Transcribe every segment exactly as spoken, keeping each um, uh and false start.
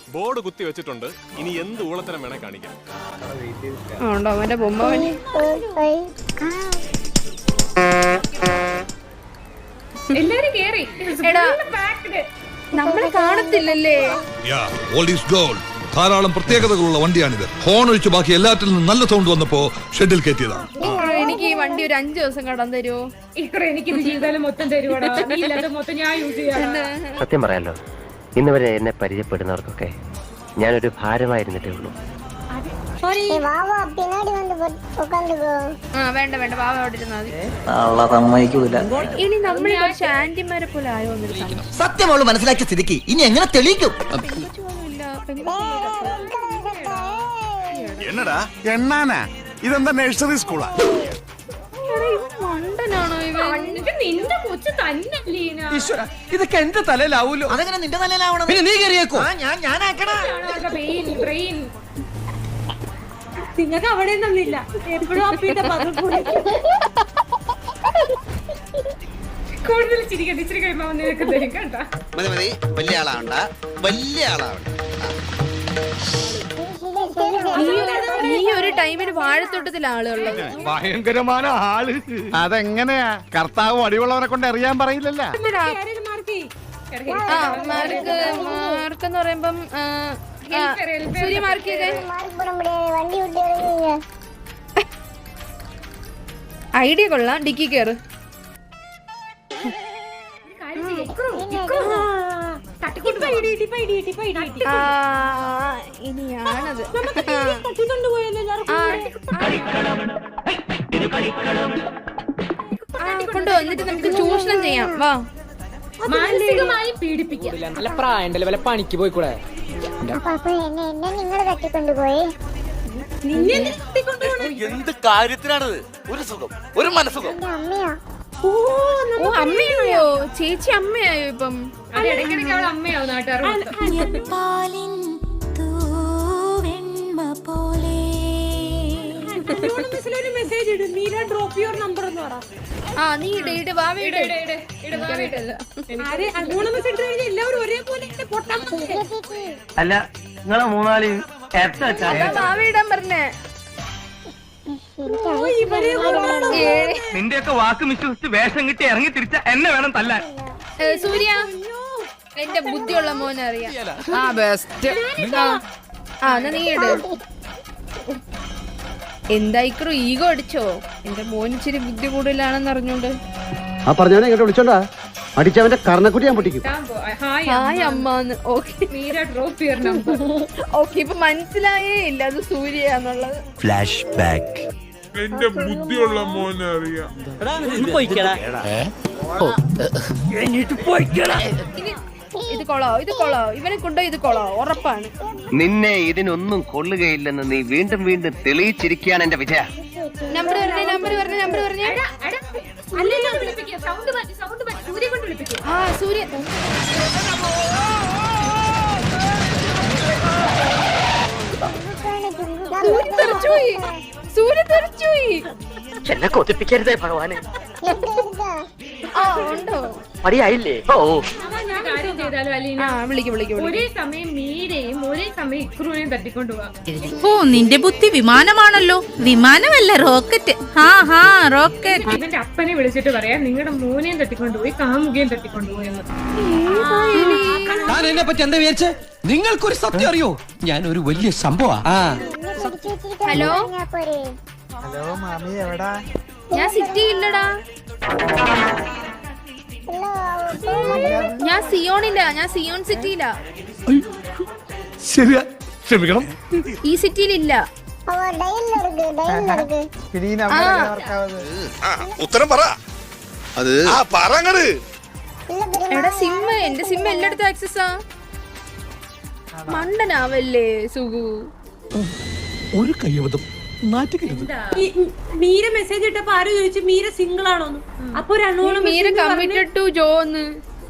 Board കുത്തി വെച്ചിട്ടുണ്ട്. ഇനി എന്ത് ഊളത്തരം വേണേ കാണിക്കാം. നമ്മളെ കാണത്തില്ലല്ലേ? ധാരാളം പ്രത്യേകതകളുള്ള വണ്ടിയാണിത്. ഹോൺ ഒഴിച്ച് ബാക്കി എല്ലാറ്റിൽ നിന്നും നല്ല സൗണ്ട് വന്നപ്പോ ഷെഡിൽ കയറ്റിയതാണ്. എനിക്ക് ഈ വണ്ടി ഒരു അഞ്ചു ദിവസം കടം തരുമോ? എനിക്ക് ജീവിതകാലം മൊത്തം തരുവാടാ. മൊത്തം ഞാൻ യൂസ് ചെയ്യാം. സത്യം പറയാലോ, ഇന്ന് വരെ എന്നെ പരിചയപ്പെടുന്നവർക്കൊക്കെ ഞാനൊരു ഭാരമായിരുന്നിട്ടേ ഉള്ളൂ. വേണ്ട വേണ്ട, പാവ അവിടെ ഇരുന്നാൽ ഇനി നമ്മൾ കുറച്ച് ആന്റിമാരെ പോലെ ആയോ? സത്യമുള്ള മനസ്സിലാക്കിയ സ്ഥിതിക്ക് ഇനി എങ്ങനെ തെളിയിക്കും? എന്നടാ എണ്ണാനാ? ഇതെന്താ നഴ്സറി സ്കൂളാ? നിന്റെ കൊച്ചു തന്നെ. ഇതൊക്കെ എന്റെ തലയിലാവൂലോ. അതെങ്ങനെ നിന്റെ തലയിലാവണം? പിന്നെ നീ കയറിയേക്കോ? ഞാൻ ഞാനാക്കണ. നിങ്ങൾക്ക് അവിടെ നിന്നില്ല. എപ്പോഴും കൂടുതൽ ചിരിക്കട്ടെ. ഇച്ചിരി കഴിയുമ്പോ നിനക്ക് തരും കേട്ടോ. മതി മതി, വലിയ ആളാവണ്ട, വലിയ ആളാവണ്ട. ഈ ഒരു ടൈമിന് വാഴത്തോട്ടത്തിൽ ആളുള്ളത് ഭയങ്കരമായ ആള്. അതെങ്ങനെയാ? കർത്താവ് അടിയുള്ളവനെ കൊണ്ട് അറിയാൻ പറയില്ലല്ലോ. മാർക്ക് മാർക്ക് എന്ന് പറയുമ്പം സൂര്യ മാർക്ക് ചെയ്തേ. ഐഡിയ കൊള്ളാം. ഡിക്കി കയറ്. ഇനിയാണത്. കൊണ്ടുവന്നിട്ട് നമുക്ക് ചൂഷണം ചെയ്യാം. വാ, മാനസികമായി പീഡിപ്പിക്കാം. നല്ല പ്രായണ്ടല്ലേ, വല്ല പണിക്ക് പോയിക്കൂടെ? എന്ത് കാര്യത്തിനാണത്? ഒരു സുഖം, ഒരു മനസുഖം. ഓ അമ്മയായോ? ചേച്ചി അമ്മയായോ ഇപ്പം? ഇടയ്ക്കിടയ്ക്ക് അവൾ അമ്മയാവും നാട്ടുകാർ. മെസ്സേജ് ഇടും, മീര ഡ്രോപ്പ് യുവർ നമ്പർ എന്ന് പറ. ആ നീ ഇട ഇട വാ വീട്. എല്ലാവരും ഒരേപോലെ അല്ല, നിങ്ങളെ മൂന്നാളി വാവിടാൻ പറഞ്ഞേ. നിന്റെയൊക്കെ വാക്ക് വിശ്വസിച്ച് വേഷം കിട്ടി ഇറങ്ങി തിരിച്ച എന്നെ വേണം തല്ലാൻ. സൂര്യ, എന്റെ ബുദ്ധിയുള്ള മോനെ അറിയാം. ആ ബെസ്റ്റ്. ആ എന്നാ നീ ഇട്. എന്തായിക്കറു ഈഗോ അടിച്ചോ? എന്റെ മോൻ ഇച്ചിരി ബുദ്ധി കൂടുതലാണെന്ന് അറിഞ്ഞോണ്ട് ആ പറഞ്ഞവനെ ഇങ്ങോട്ട് വിളിച്ചോണ്ടാ അടിച്ചവന്റെ കർണക്കുട്ടി ഞാൻ പൊട്ടിക്കും. ഹായ് അമ്മാന്ന്. Okay, Meera drop your number. Okay, ഇപ്പൊ മനസ്സിലായേ ഇല്ല അത് സൂര്യയാന്നുള്ളത്. Flash back. എന്റെ ബുദ്ധിയുള്ള മോനെ അറിയാം. ഇനി ഇത് കൊളോ, ഇത് കൊളോ, ഇവനെ കൊണ്ടോ ഇത് കൊളോ ഉറപ്പാണ്. നിന്നെ ഇതിനൊന്നും കൊള്ളുകയില്ലെന്ന് നീ വീണ്ടും വീണ്ടും തെളിയിച്ചിരിക്കുകയാണ് എന്റെ വിജയ. നമ്പർ പറഞ്ഞേ, നമ്പർ പറഞ്ഞേ, നമ്പർ പറഞ്ഞേ. ആ സൂര്യ സൂര്യ തെറിച്ചുപോയി. സൂര്യ തെറിച്ചുപോയി. എന്നെ കൊതിപ്പിക്കരുതേ ഭഗവാനെ. ആ ഉണ്ടോ? മടിയായില്ലേ? ഓ കാര്യം ചെയ്താലോ അലീന? വിളിക്കും വിളിക്കും. ഒരേ സമയം മീരയും ഒരേ സമയം ഇക്രൂനെയും തട്ടിക്കൊണ്ടുപോവാ. ഓ നിന്റെ ബുദ്ധി വിമാനമാണല്ലോ. വിമാനമല്ല, റോക്കറ്റ്. ഹാ ഹാ റോക്കറ്റ്. ഇവന്റെ അപ്പനെ വിളിച്ചിട്ട് പറയാ നിങ്ങളുടെ മോനെയും തട്ടിക്കൊണ്ടുപോയി കാമുകയും തട്ടിക്കൊണ്ടുപോയി എന്ന്. ഞാൻ എന്നെ പറ്റി എന്താ വിചാരിച്ചേ? നിങ്ങൾക്കൊരു സത്യം അറിയോ? ഞാൻ ഒരു വലിയ സംഭവ. ഹലോ ഹലോ മാമി, എവിടാ? ഞാൻ സിറ്റി ഇല്ലടാ. ഞാൻ സിയോണില്ല, ഞാൻ സിയോൺ സിറ്റിയിലാ. ശരിയാ, ക്ഷമിക്കണം. ഈ സിറ്റിയിലില്ല. ഉത്തരം പറ. അത് പറങ്ങട്. എടാ സിമ്മ്, എന്റെ സിമ്മ് എല്ലായിടത്തും ആക്സസാ. മണ്ടനാവല്ലേ സുഖു. ഒരു കയ്യബദ്ധം നാറ്റുകരുത്. മീര മെസ്സേജ് ഇട്ടപ്പോ ആരും ചോദിച്ചു മീര സിംഗിൾ ആണോന്ന്. അപ്പൊ മീര കമ്മിറ്റഡ് ടു ജോന്ന്.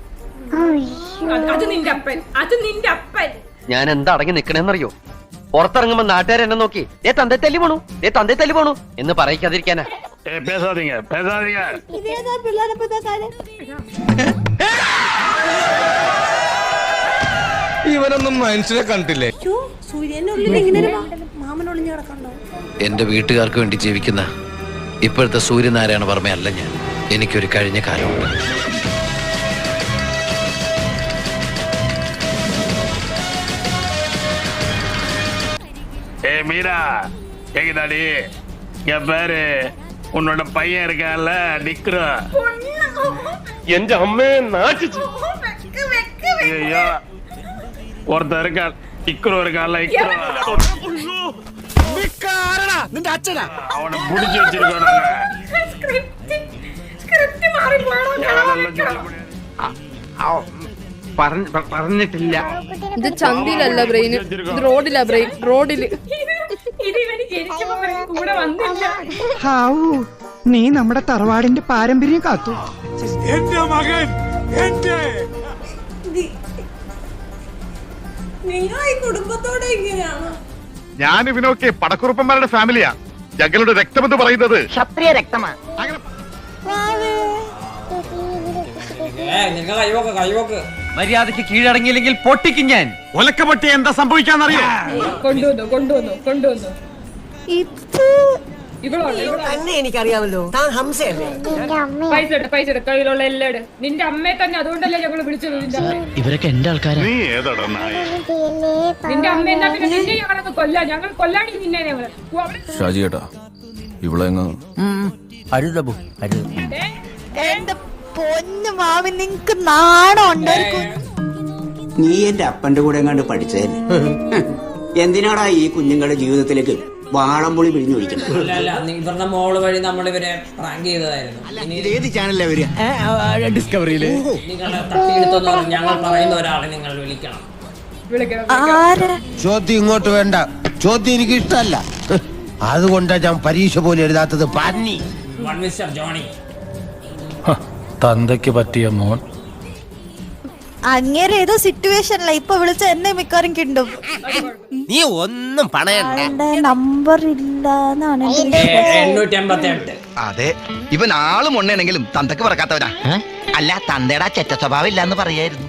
അത് നിന്റെ അപ്പൻ, അത് നിന്റെ അപ്പൻ. ഞാൻ എന്താ അടങ്ങി നിക്കണേന്നറിയോ? പുറത്തിറങ്ങുമ്പോ നാട്ടുകാർ എന്നെ നോക്കി ഏ തന്തേ തല്ലി പോണു, ഏ തന്തേ തല്ലി പോണു എന്ന് പറയിക്കാതിരിക്കാനാ. ഇവനൊന്നും മനുഷ്യനെ കണ്ടില്ലേ? അയ്യോ, സൂര്യന്റെ ഉള്ളിൽ ഇങ്ങനെ ഒരു മാമൻ ഒളിഞ്ഞു കിടക്കണ്ടോ? എന്റെ വീട്ടുകാർക്ക് വേണ്ടി ജീവിക്കുന്ന ഇപ്പോഴത്തെ സൂര്യനാരായണ വർമ്മയല്ല ഞാൻ. എനിക്കൊരു കഴിഞ്ഞ കാലമുണ്ട്. ஏ மீரா கேக்குதாடி? இங்க பாரு, உன்னோட பையன் இருக்கான்ல நிக்ரா. എന്റെ അമ്മയെ നാട്ടിച്ചു. ஐயோ, ஒருத்தன் இருக்கான் இக்ரோ இருக்கான்ல இக்ரோ. നിന്റെ അച്ഛനാ? அவனை புடிச்சு வச்சிருக்கோம் நாங்க. ഞാനെല്ലാം ചൊല്ലി പറഞ്ഞിട്ടില്ല. ഇത് ചന്തിയിലല്ല ബ്രെയിൻ, ഇത് റോഡിലാ ബ്രെയിൻ, റോഡില്. ഇത് ഇവന് ജനിച്ചപ്പോ ഇവന് കൂടെ വന്നില്ല. ഹാവൂ, നീ നമ്മുടെ തറവാടിന്റെ പാരമ്പര്യം കാത്തു. നിങ്ങൾ ഈ കുടുംബത്തോടെ ഇങ്ങനെയാണോ? ഞാൻ ഇവനൊക്കെ പടക്കുറുപ്പന്മാരുടെ ഫാമിലിയാ. ഞങ്ങളുടെ രക്തമെന്ന് പറയുന്നത് ക്ഷത്രിയ രക്തമാ. മര്യാദക്ക് കീഴടങ്ങിയില്ലെങ്കിൽ പൊട്ടിക്കും ഞാൻ. ഒലക്ക പൊട്ടി എന്താ സംഭവിക്കാന്നറിയോ? കൊണ്ടുവന്നു കൊണ്ടുവന്നു കൊണ്ടുവന്നു തന്നെ എനിക്കറിയാമല്ലോ, താൻ ഹംസയല്ലേ? പൈസ ഇട പൈസ ഇട കയ്യിലുള്ള എല്ലാം ഇട്. നിന്റെ അമ്മയെ തന്നെ അതുകൊണ്ടല്ലേ ഞങ്ങൾ വിളിച്ചത്. നിന്റെ അമ്മയെ. ഇവരൊക്കെ എന്റെ ആൾക്കാരാ. നീ ഏതാടാ നായ? നിന്റെ അമ്മ എന്നാ പിന്നെ നിന്നെ ഞങ്ങളൊക്കെ കൊല്ലാം. ഞങ്ങൾ കൊല്ലാടി നിന്നെ ഞങ്ങള്. ഷാജി ചേട്ടാ, ഇവിടെ അരുതബു അരുത്. എന്റെ പൊന്നു മാമി, നിങ്ങക്ക് നാണം ഉണ്ടായിരിക്കും. നീ എന്റെ അപ്പന്റെ കൂടെ എങ്ങാണ്ട് പഠിച്ചതല്ലേ? എന്തിനാടാ ഈ കുഞ്ഞുങ്ങളുടെ ജീവിതത്തിലേക്ക് വാളംപുളി പിഴിഞ്ഞൊഴിക്കണം? ഇവരുടെ മോള് വഴി നമ്മൾ ഇവരെ പ്രാങ്ക് ചെയ്തതായിരുന്നു. ഏത് ചാനലിലാ വരിക? ഡിസ്കവറിയില് നിങ്ങളെ തട്ടിയെടുത്തെന്ന് പറഞ്ഞ് ഞങ്ങൾ പറയുന്ന ഒരാളെ നിങ്ങൾ വിളിക്കണം. ചോദ്യം ഇങ്ങോട്ട് വേണ്ട. ചോദ്യം എനിക്ക് ഇഷ്ടമല്ല. അതുകൊണ്ടാ ഞാൻ പരീക്ഷ പോലും എഴുതാത്തത്. പന്നി. One mister Johnny. തന്തയ്ക്ക് പറ്റിയ മോൻ. അങ്ങേരെ ഏതോ സിറ്റുവേഷനില്ല, ഇപ്പൊ വിളിച്ച എന്നെ മിക്കവാറും കിട്ടും. നീ ഒന്നും പണയണ്ട. നമ്പർ ഇല്ലാന്നാണ് എണ്ണൂറ്റി അമ്പത്തി എട്ട്. അതെ, ഇവൻ ആളും ഉണ്ണയാണെങ്കിലും തന്തക്ക് പറക്കാത്തവനാ. അല്ല, തന്തയുടെ ചെറ്റ സ്വഭാവം ഇല്ലാന്ന് പറയായിരുന്നു.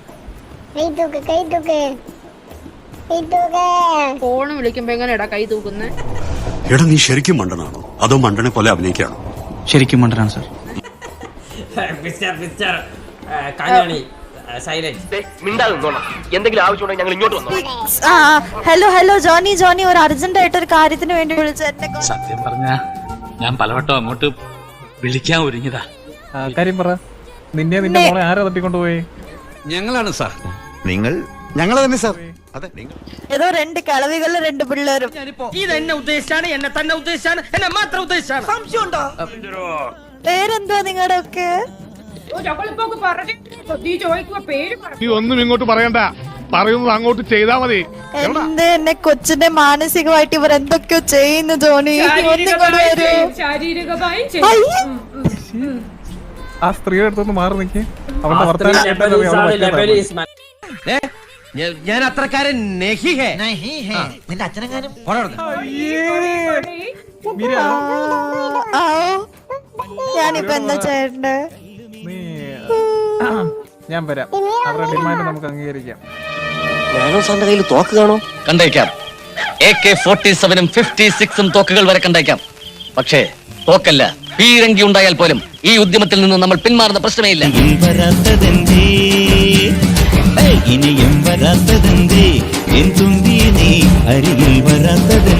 ഫോണ് വിളിക്കുമ്പോ എങ്ങനെയാടാ കൈ തൂക്കുന്നേ? എടാ, നീ ശരിക്കും മണ്ടനാണോ അതോ മണ്ടനെ പോലെ അഭിനയിക്കാണോ? ശരിക്കും മണ്ടനാണ് sir. Mister mister Kanjani silent. മിണ്ടാതെന്നോണം. എന്തെങ്കിലും ആവശ്യമുണ്ടെങ്കിൽ ഞങ്ങൾ ഇങ്ങോട്ട് വന്നോ. ഹലോ ഹലോ ജോണി ജോണി, ഒരു അർജന്റ് ആയിട്ട് ഒരു കാര്യത്തിന് വേണ്ടി വിളിച്ച എന്നെ. സത്യം പറഞ്ഞ ഞാൻ പലവട്ടം അങ്ങോട്ട് വിളിക്കാൻ ഒരുങ്ങിയതാ. കാര്യം പറ. നിന്നെ നിന്റെ മോളെ ആരാ തട്ടിക്കൊണ്ടുപോയി? ഞങ്ങളാണ് സാർ. നിങ്ങൾ ഞങ്ങൾ തന്നെ സാർ. അതെ, നിങ്ങൾ ഏതോ രണ്ട് കളവികളിലെ രണ്ട് പിള്ളേരും. ഇത് എന്നെ ഉദ്ദേശിച്ചാണ്, എന്നെ തന്നെ ഉദ്ദേശിച്ചാണ്, എന്നെ മാത്രം ഉദ്ദേശിച്ചാണ്. സംശയമുണ്ടോ? പേരെന്തുവാ നിങ്ങളുടെ ഒക്കെ? ഞങ്ങളിപ്പോ പറഞ്ഞിട്ട് നീ ചോദിക്കുമ്പോ പേര് പറ. നീ ഒന്നും ഇങ്ങോട്ട് പറയണ്ട, പറയുന്നത് അങ്ങോട്ട് ചെയ്താ മതി. എന്റെ എന്നെ കൊച്ചിന്റെ മാനസികമായിട്ട് ഇവർ എന്തൊക്കെയോ ചെയ്യുന്നു ജോണി. ശാരീരികമായി ആ സ്ത്രീയുടെ അടുത്തൊന്ന് മാറി നിൽക്കേ. അവന്റെ വർത്തമാനം ഞാൻ അത്രക്കാരൻ നിന്റെ അച്ഛനെങ്ങാനും. ഞാനിപ്പോ എന്താ ചെയ്യണ്ടേ? ഞാൻ വരാം. അവരുടെ ഡിമാൻഡ് നമുക്ക് അംഗീകരിക്കാം. ഞാനും സാറിന്റെ കയ്യിൽ തോക്ക് കാണോ? കണ്ടേക്കാം. എ കെ ഫോർട്ടി സെവനും ഫിഫ്റ്റി സിക്സും തോക്കുകൾ വരെ കണ്ടേക്കാം. പക്ഷേ തോക്കല്ല, പീരങ്കി ഉണ്ടായാൽ പോലും ഈ ഉദ്യമത്തിൽ നിന്ന് നമ്മൾ പിന്മാറുന്ന പ്രശ്നമേ ഇല്ല. ഇനിയും വരാത്തതെന്തേ എൻ തുമ്പി നീ അരികിൽ വരാത്തത്